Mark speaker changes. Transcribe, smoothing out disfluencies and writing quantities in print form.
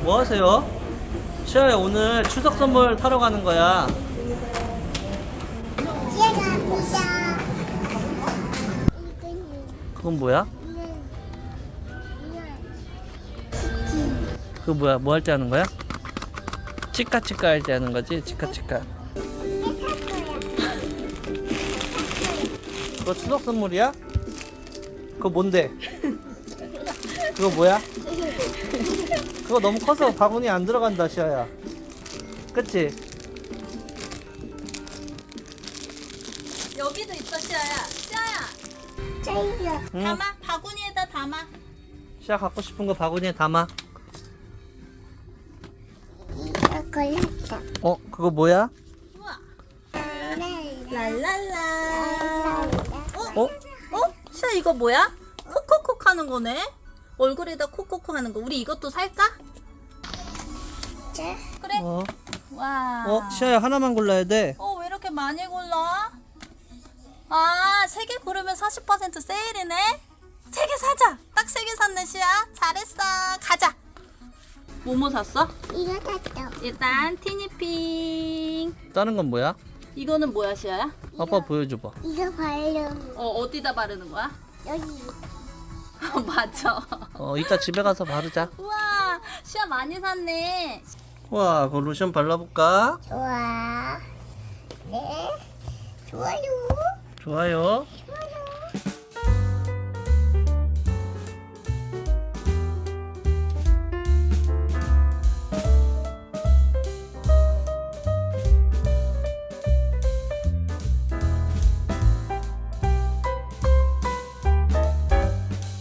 Speaker 1: 뭐 하세요? 시아야, 오늘 추석 선물 타러 가는 거야.
Speaker 2: 제가 보자.
Speaker 1: 그건 뭐야? 그거 뭐야? 뭐 할 때 하는 거야? 치카치카 할 때 하는 거지? 치카치카. 그거 추석 선물이야? 그거 뭔데? 그거 뭐야? 그거 너무 커서 바구니 안 들어간다, 시아야. 그치?
Speaker 3: 여기도 있어, 시아야. 시아야,
Speaker 2: 저희가
Speaker 1: 응.
Speaker 3: 담아. 바구니에다 담아.
Speaker 1: 시아 갖고 싶은 거 바구니에 담아.
Speaker 2: 이거 골랐어.
Speaker 1: 그거 뭐야?
Speaker 3: 우와.
Speaker 2: 랄랄라.
Speaker 3: 랄랄라.
Speaker 1: 어?
Speaker 3: 시아, 이거 뭐야? 콕콕콕 하는 거네? 얼굴에다 콕콕콕 하는 거. 우리 이것도 살까?
Speaker 2: 자,
Speaker 3: 그래.
Speaker 1: 어?
Speaker 3: 와.
Speaker 1: 시아야, 하나만 골라야 돼.
Speaker 3: 왜 이렇게 많이 골라? 아, 3개 고르면 40% 세일이네? 3개 사자! 딱 3개 샀네, 시야. 잘했어. 가자. 뭐뭐 샀어?
Speaker 2: 이거 샀어.
Speaker 3: 일단, 티니핑.
Speaker 1: 다른 건 뭐야?
Speaker 3: 이거는 뭐야, 시야야?
Speaker 1: 아빠 보여줘봐.
Speaker 2: 이거 바르고
Speaker 3: 어디다 바르는 거야?
Speaker 2: 여기.
Speaker 3: 맞아.
Speaker 1: 이따 집에 가서 바르자.
Speaker 3: 우와, 시야 많이 샀네.
Speaker 1: 와, 그 로션 발라볼까?
Speaker 2: 좋아. 네. 좋아요.
Speaker 1: 좋아요.
Speaker 2: 좋아요.